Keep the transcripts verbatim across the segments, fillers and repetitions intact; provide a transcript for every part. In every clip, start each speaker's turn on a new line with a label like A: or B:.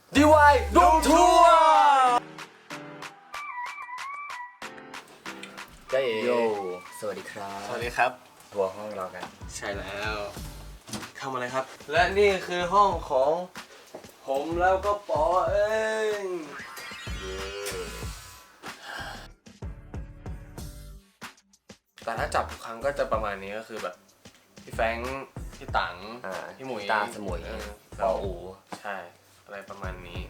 A: ดี วาย รูมทัวร์เจ๊โยสวัสดีครับ
B: สวัสดีครับ
A: ทัวร์ห้องเรากัน
B: ใช่แล้วเข้ามาเลยครับและนี่คือห้องของผมแล้วก็ปอเองแต่ถ้าจับทุกครั้งก็จะประมาณนี้ก็คือแบบพี่แฟงพี่ตังพี่หมุย
A: ตาสมุยปออู
B: ใช่อะไรประมาณนี้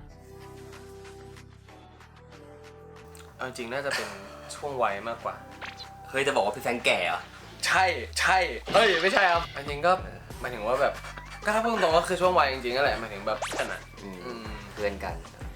B: เอาจริงน่าจะเป็นช่วงวัยมากกว่า
A: เฮ้ยจะบอกว่าพี่แฟงแก่เหรอ
B: ใช่ใช่เฮ้ยไม่ใช่ครับจริงก็หมายถึงว่าแบบก็ถ้าพูดตรงก็คือช่วงวัยจริงๆนั่นแหละหมายถึงแบบขนาด
A: เพื่อนกัน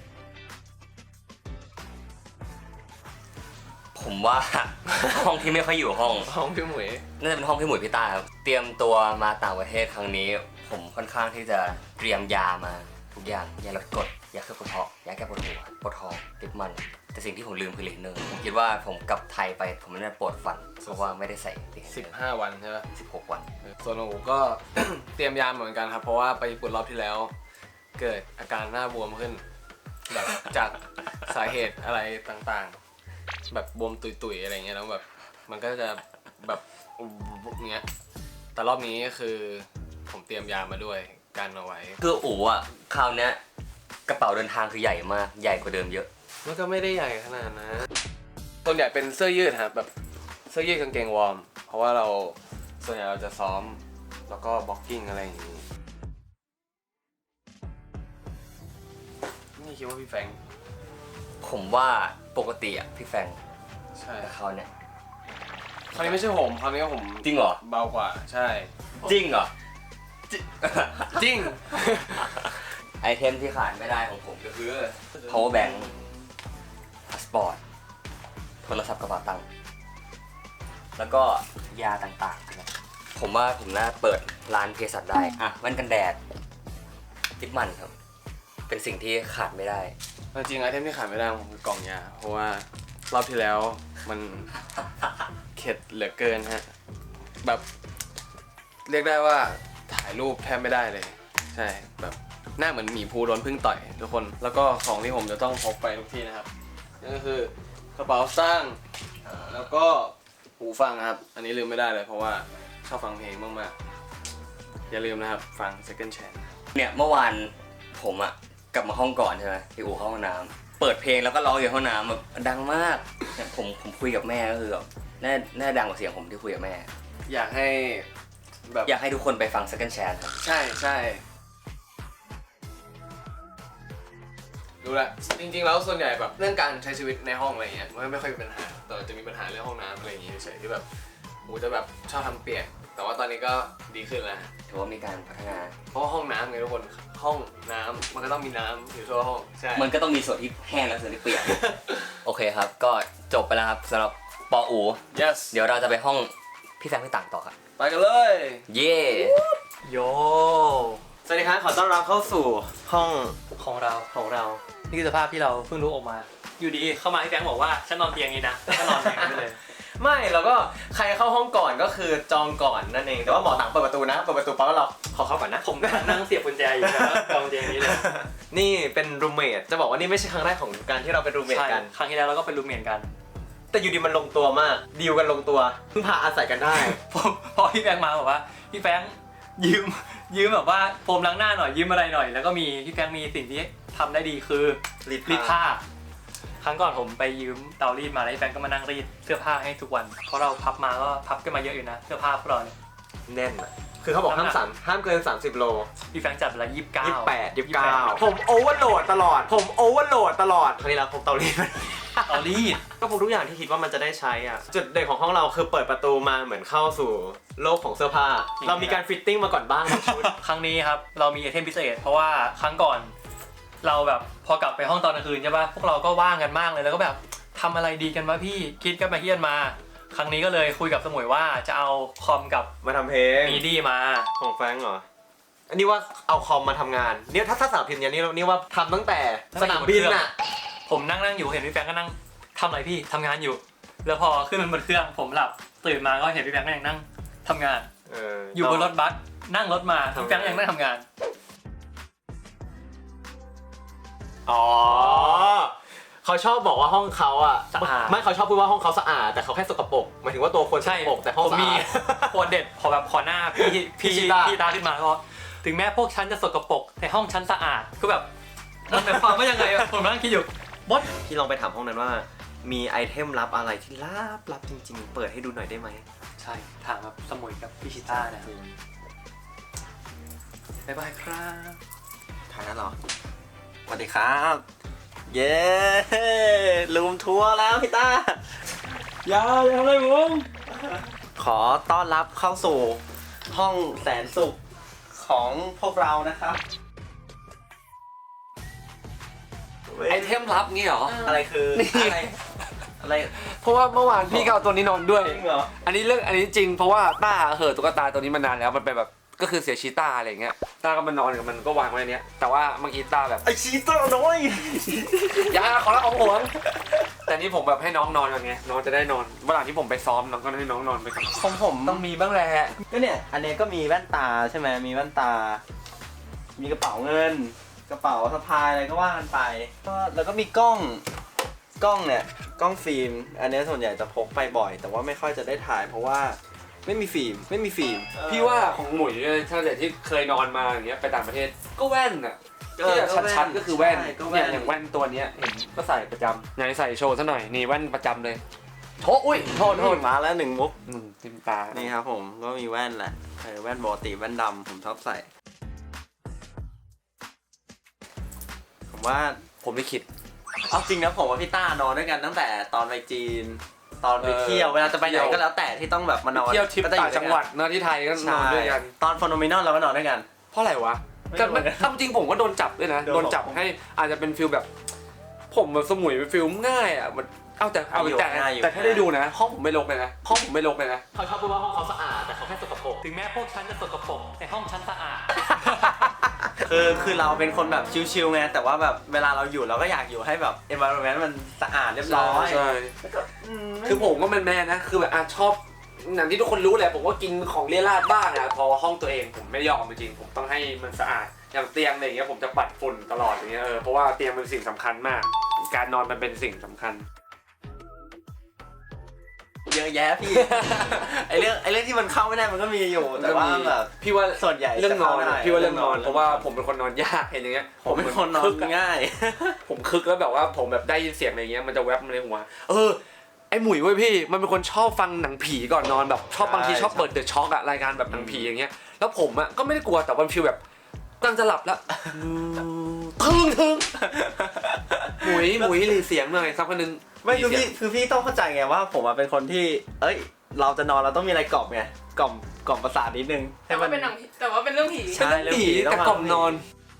A: ผมว่า ห้องที่ไม่ค่อยอยู่ห้อง
B: ห้องพี่หมวย
A: น่าจะเป็นห้องพี่หมวยพี่ตาครับเตรียมตัวมาต่างประเทศครั้งนี้ผมค่อนข้างที่จะเตรียมยามาทุกอย่างยาลดกรดยาเคลือบกระเพาะยาแก้ปวดหัวปวดท้องติดมันแต่สิ่งที่ผมลืมคือเลนเนอร์ผมคิดว่าผมกลับไทยไปผมน่าจะปวดฟันเพราะว่าไม่ได้ใส่เลนเนอร์
B: สิบห้าวันใช่ไหม
A: สิบหกวัน
B: ส่วนของผมก็ เตรียมยาเหมือนกันครับเพราะว่าไปญี่ปุ่นรอบที่แล้วเกิดอาการหน้าบวมขึ้นแบบจากสาเหตุอะไรต่างๆแบบบวมตุยๆอะไรเงี้ยแล้วแบบมันก็จะแบบเงี้ยแต่รอบนี้ก็คือผมเตรียมยามาด้วยกันเอาไว้
A: คืออู๋อ่ะคราวนี้กระเป๋าเดินทางคือใหญ่มากใหญ่กว่าเดิมเยอะ
B: มันก็ไม่ได้ใหญ่ขนาดนะส่วนใหญ่เป็นเสื้อยืดครับแบบเสื้อยืดกางเกงวอร์มเพราะว่าเราส่วนใหญ่เราจะซ้อมแล้วก็บ็อกกิ้งอะไรอย่างนี้นี่คิดว่าพี่แฟง
A: ผมว่าปกติอ่ะพี่แฟง
B: ใช่
A: แต่เขาเนี่ย
B: คราวนี้ไม่ใช่ผมคราวนี้ผม
A: จริงเหรอ
B: เบากว่าใช่
A: จริงเหรอ
B: จริง
A: ไอเทมที่ขาดไม่ได้ของผมก็คือ power bank พาสปอร์ตโทรศัพท์กระเป๋าตังค์แล้วก็ยาต่างๆนะผมว่าผมน่าเปิดร้านเภสัชได้อ่ะแว่นกันแดดทิปมันครับเป็นสิ่งที่ขาดไม่ได้
B: จริงไอเทมที่ขาดไม่ได้ของผมคือกล่องยาเพราะว่ารอบที่แล้วมันเข็ดเหลือเกินฮะแบบเรียกได้ว่าถ่ายรูปแทบไม่ได้เลยใช่แบบหน้าเหมือนหมีภูโดนพึ่งต่อยทุกคนแล้วก็ของที่ผมจะต้องพกไปทุกที่นะครับนั่นก็คือกระเป๋าสร้างแล้วก็หูฟังครับอันนี้ลืมไม่ได้เลยเพราะว่าชอบฟังเพลงมากๆอย่าลืมนะครับฟัง Second Chance
A: เนี่ยเมื่อวานผมอะกลับมาห้องก่อนใช่ไหมที่อู่เข้าห้องน้ำเปิดเพลงแล้วก็ร้องอยู่ห้องน้ำแบบดังมากเนี่ยผมผมคุยกับแม่ก็คือแบบน่าน่าดังกว่าเสียงผมที่คุยกับแม่
B: อยากให้แบบ
A: อยากให้ทุกคนไปฟัง Second Chance ครับ
B: ใช่ใช่ดูแลจริงๆแล้วส่วนใหญ่แบบเรื่องการใช้ชีวิตในห้องอะไรเงี้ยมันไม่ค่อยมีปัญหาแต่จะมีปัญหาเรื่องห้องน้ำอะไรอย่างเงี้ยเฉยที่แบบอูจะแบบชอบทำเปียกแต่ว่าตอนนี้ก็ดีขึ้นแล้ว
A: ถือว่ามีการพัฒนา
B: เพราะห้องน้ำไงทุกคนห้องน้ำมันก็ต้องมีน้ำอยู่ทั่วห้องใช่
A: มันก็ต้องมีส่วนที่แห้งและส่วนที่เปียก โอเคครับก็จบไปแล้วครับสำหรับปออู
B: yes
A: เดี๋ยวเราจะไปห้องพี่แฟงพี่ต่างต่อครับ
B: ไปกันเลย
A: เย่
B: โยสวัสดีครับขอต้อนรับเข้าสู่ห้อง
C: ของเรา
B: ของเรา
C: นี่คือสภาพที่เราเพิ่งรู้ออกมาอยู่ดีเข้ามาให้แฟงบอกว่าฉันนอนเตียงนี้นะแล้วก็นอนเตียงนี้เลย
B: ไม่เราก็ใครเข้าห้องก่อนก็คือจองก่อนนั่นเองแต่ว่าหมอต่างเปิดประตูนะเปิดประตูปั๊บเราขอเข้าก่อนนะ
C: ผมก็นั่งเสียบกุญแจอยู่แล้วจองเตียงนี้เลย
B: นี่เป็นรูมเมทจะบอกว่านี่ไม่ใช่ครั้งแรกของการที่เราเป็นรูมเมทกัน
C: ครั้งที่แล้วเราก็เป็นรูมเมทกัน
B: แต่อยู่ดีมันลงตัวมากดีลกันลงตัวเพิ่งพาอาศัยกันได้
C: พอพี่แฟงมาบอกว่าพี่แฟงยืมยืมแบบว่าโฟมล้างหน้าหน่อยยืมอะไรหน่อยแล้วก็มีพี่แฟงมีสิ่งที่ทำได้ดีคือรีดผ้าครั้งก่อนผมไปยืมเตารีดมาแล้วพี่แฟงก็มานั่งรีดเสื้อผ้าให้ทุกวันเพราะเราพับมาก็พับกันมาเยอะอยู่นะเสื้อผ้าพวกเราเนี่ย
B: แน่นอ่ะคือเขาบอกห้ามสามห้ามเกินสามสิบโล
C: พี่แฟงจัดเวลายี่สิบเก้า
B: ยี่สิบแปดยี่สิบเก้าผมโอเวอร์โหลดตลอดผมโอเวอร์โหลดตลอดครั้งนี้เราพกเตารีด
C: เตารีด
B: ก็พกทุกอย่างที่คิดว่ามันจะได้ใช้อ่ะจุดเด่นของห้องเราคือเปิดประตูมาเหมือนเข้าสู่โลกของเสื้อผ้าเรามีการฟิตติ้งมาก่อนบ้างชุด
C: ครั้งนี้ครับเรามีไอเทมพิเศษเพราะว่าครั้งก่อนเราแบบพอกลับไปห้องตอนกลางคืนใช่ป่ะพวกเราก็ว่างกันมากเลยแล้วก็แบบทำอะไรดีกันวะพี่คิดกันมาเฮียนมาครั้งนี้ก็เลยคุยกับสมุยว่าจะเอาคอมกับ
B: มาทำเพลง
C: มีดี้มา
B: ของแฟงเหรออันนี้ว่าเอาคอมมาทำงานเนี่ยถ้าถ้าสาวพิมพ์อย่างนี้นี่ว่าทำตั้งแต่สนามบินน่ะ
C: ผมนั่งนั่งอยู่เห็นพี่แฟงก็นั่งทำอะไรพี่ทำงานอยู่แล้วพอขึ้นบนเครื่องผมหลับตื่นมาก็เห็นพี่แฟงก็ยังนั่งทำงานอยู่บนรถบัสนั่งรถมาพี่แฟงยังนั่งทำงาน
D: อ๋อเขาชอบบอกว่าห้องเขาอ่ะ
C: สะอาด
D: ไม่เขาชอบพูดว่าห้องเขาสะอาดแต่เขาแค่สกปรกหมายถึงว่าตัวคนส
C: ใช่
D: กปรกแต่ห้อง
C: ผม
D: สะ
C: มี
D: อาด
C: โคตรเด็ดขอแบบขอหน้าพี่พี่
D: พี่ชิต้า
C: พี่ตาขึ้นมาก็ถึงแม้พวกฉันจะสกปรกแต่ห้องฉันสะอาดก็แบบมันหมายความว่ายังไงอะผมนั่งคิดอยู่บด
E: พี่ลองไปถามห้องนั้นว่า มีไอเทมลับอะไรที่ลับลับจริงๆ เปิดให้ดูหน่อยได้ไหม
C: ใช่ถามแบบสมุยกับพี่ชิต้านะบ๊ายบายครับ
E: ถ่ายแล้วเหรอ สวัสดีครับ เย้ลูมทัวร์แล้วพี่ต้า
C: อย่าอย่าทำอะไรผม
E: ขอต้อนรับเข้าสู่ห้องแสนสุขของพวกเรานะครับ
A: ไอเทมลับงี้เหรอ
E: อะไรคืออะไรอะไร
B: เพราะว่าเมื่อวานพี่ก็เอาตัวนี้นอนด้วย
E: จริงเหรอ
B: อันนี้เรื่องอันนี้จริงเพราะว่าต้าเหอะตุ๊กตาตัวนี้มานานแล้วมันเป็นแบบก็คือเสียชีต้าอะไรอย่างเงี้ยต้าก็มานอนกับมันก็วางไว้ในเนี้ยแต่ว่าเมื่อกี้ต้าแบบ
E: ไอชีเตอร์น้อย
B: อย่าขอละของห่วงแต่นี่ผมแบบให้น้องนอนกันไงน้องจะได้นอนเวลาที่ผมไปซ้อมน้องก็ให้น้องนอนไปก่อน
E: ของผม
B: ต้องมีบ้างแหละ
E: ก็เนี่ย อันเนี้ยก็มีแว่นตาใช่ไหมมีแว่นตา มีกระเป๋าเงิน กระเป๋าสะพายอะไรก็ว่ากันไปก็แล้วก็มีกล้อง กล้องเนี่ย กล้องฟิล์ม อันเนี้ยส่วนใหญ่จะพกไปบ่อย แต่ว่าไม่ค่อยจะได้ถ่าย เพราะว่าไม่มีฟิล์ม ไม่มีฟิล์ม
B: พี่ว่าของหมุยเนี่ยถ้าเกิดที่เคยนอนมาอย่างเงี้ยไปต่างประเทศก็แว่นอ่ะ
E: เออ
B: ที่แบบชัดๆก็คือแว่น
E: ใช่ก็
B: เนี่
E: แว่
B: ย
E: น
B: อย่างแว่นตัวเนี้ยเห็นก็ใส่ประจำไหนใส่โชว์ซะหน่อยนี่แว่นประจำเลยโถอุ้ยโทษโทษ
E: มาแล้วหนึ่งมุก
B: อืมทิมตา
E: นี่ครับผมก็มีแว่นแหละเออแว่นปกติแว่นดำผมชอบใส่ ผมว่า
B: ผมไม่คิด
E: เอาจริงนะผมกับพี่ต้านอนด้วยกันตั้งแต่ตอนไปจีน ตอนไปเที่ยวเวลาจะไปไหนก็แล้วแต่ที่ต้องแบบมานอน
B: เที่ยวทริป
E: ก็จะอ
B: ต่าง
E: ยู่
B: จังหวัดเนอะที่ไทยก็น
E: ใช่
B: อนด้วยกัน
E: ตอนฟอนโนมินอลเราก็นอนด้วยกัน
B: เพราะอะไรวะ
E: ไม่
B: แต่
E: รู้เหมือนกัน
B: ทำจริงผมก็โดนจับด้วยนะ
E: โดน
B: โดนจับให้อาจจะเป็นฟิลแบบ ผมแบบสมุยเป็นฟิลง่ายอ่ะมันเอาแต่เอาแต่
E: ง่ายอยู่
B: แต่ถ้าได้ดูนะห้องผมไม่รกเลยนะห้องผมไม่รกเลยนะ
D: เขาชอบพูดว่าห้องเขาสะอาดแต่เขาแค่สกปรก
C: ถึงแม้พวกฉันจะสกปรกแต่ห้องฉันสะอาด
E: คือคือเราเป็นคนแบบชิลๆไงแต่ว่าแบบเวลาเราอยู่เราก็อยากอยู่ให้แบบ environment มันสะอาดเรียบร้อย
B: ใช่คือผมก็แมนๆนะคือแบบอ่ะชอบอย่างที่ทุกคนรู้แหละผมก็กินของเลี่ยราดบ้างนะพอห้องตัวเองผมไม่ยอมจริงๆผมต้องให้มันสะอาดอย่างเตียงอะไรอย่างเงี้ยผมจะปัดฝุ่นตลอดอย่างเงี้ยเออเพราะว่าเตียงเป็นสิ่งสำคัญมาก การนอนมันเป็นสิ่งสำคัญ
E: เยอะแยะพี่ ไอเรื่องไอเรื่องที่มันเข้าไม่ได้มันก็มีอยู่แต่ว่าแบบ
B: พี่ว่า
E: ส่วนใหญ่
B: เรื่องนอน
E: จะข้ได้
B: พี่ว่าเรื่องนอนเพราะว่าผมเป็นคนนอนยากเห็นอย่างเงี้ย
E: ผมเป็นคนนอน
B: คึกะ
E: ง่าย
B: ผมคึกแล้วแบบว่าผมแบบได้ยินเสียงอะไรเงี้ยมันจะแวบมาในหัวเออไอหมุยเว้ยพี่มันเป็นคนชอบฟังหนังผีก่อนนอนแบบชอบบางทีชอบเปิดเดอะช็อคอะรายการแบบหนังผีอย่างเงี้ยแล้วผมอะก็ไม่ได้กลัวแต่วันฟิลแบบกำลังจะหลับแล้วทึ่งทึ่งหมุยหมุยหลีเสียงหน่อยสักคนนึง
E: ไม่คือพี่คือพี่ต้องเข้าใจไงว่าผมอะเป็นคนที่ เอ้ย เราจะนอนเราต้องมีอะไรกล่อมไงกล่อมกล่อมประสาทนิดนึง
F: แต่ว่าเป็นหนังผีแต่ว่าเป็นเรื่องผี
E: ใช่
B: เป็นเรื่องผีแต่กล่อมนอน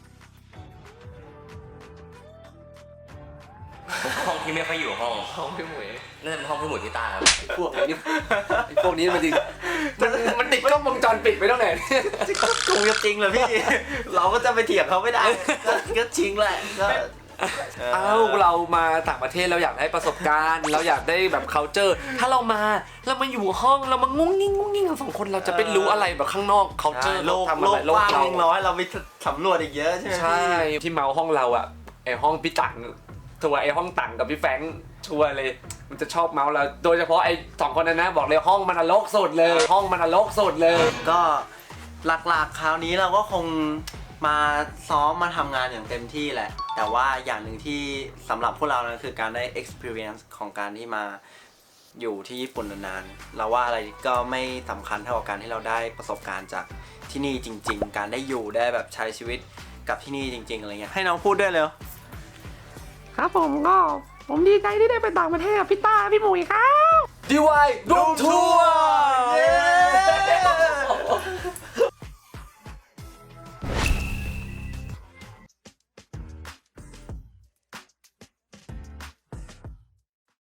A: ห้องที่ไม่ค่อยอยู่ห้อง
B: ห้องพี่หมุย
A: นั่นเป็นห้องพี่หมุยที่ตาครับ
B: พวกนี้ไอพวกนี้มันจริงมันมันติดกล้องวงจรปิดไปตั้งไหน
E: คงจะจริงเลยพี่ เราก็จะไปเถียงเขาไม่ได้ก็ก็จริงแหละก็
B: เอ้าเรามาต่างประเทศเราอยากได้ประสบการณ์ เราอยากได้แบบ culture ถ้าเรามาเรามาอยู่ห้องเรามางุ้งงิ้งงุ้งงิ้งกันสองคนเราจะไปรู้อะไรแบบข้างนอก culture
E: โลก
B: ทำ
E: โล
B: อะไร
E: ก
B: โล
E: ก
B: ก
E: ว้าง
B: เรา
E: ยังน้อยเราไปสำรวจอีกเยอะใช่ไหม
B: ใช่ที่เมาห้องเราอะไอห้องพี่ตังทัวร์ไอห้องตังกับพี่แฟรงค์ชัวร์เลยมันจะชอบเมาเราโดยเฉพาะไอสองคนนั้นนะบอกเลยห้องมันนรกสุดเลย ห้องมันนรกสุดเลย
E: ก็หลักๆคราวนี้เราก็คงมาซ้อมมาทำงานอย่างเต็มที่แหละ แต่ว่าอย่างหนึ่งที่สำหรับพวกเรานะคือการได้ experience ของการที่มาอยู่ที่ญี่ปุ่นนานๆเราว่าอะไรก็ไม่สำคัญเท่ากับการที่เราได้ประสบการณ์จากที่นี่จริงๆ การได้อยู่ได้แบบใช้ชีวิตกับที่นี่จริงๆอะไรเงี้ยให้น้องพูดด้วยเลย
D: ครับผมก็ผมดีใจที่ได้ไปต่างประเทศกับพี่ต้าพี่หมุยครับ
B: ดีวายรูมทัวร์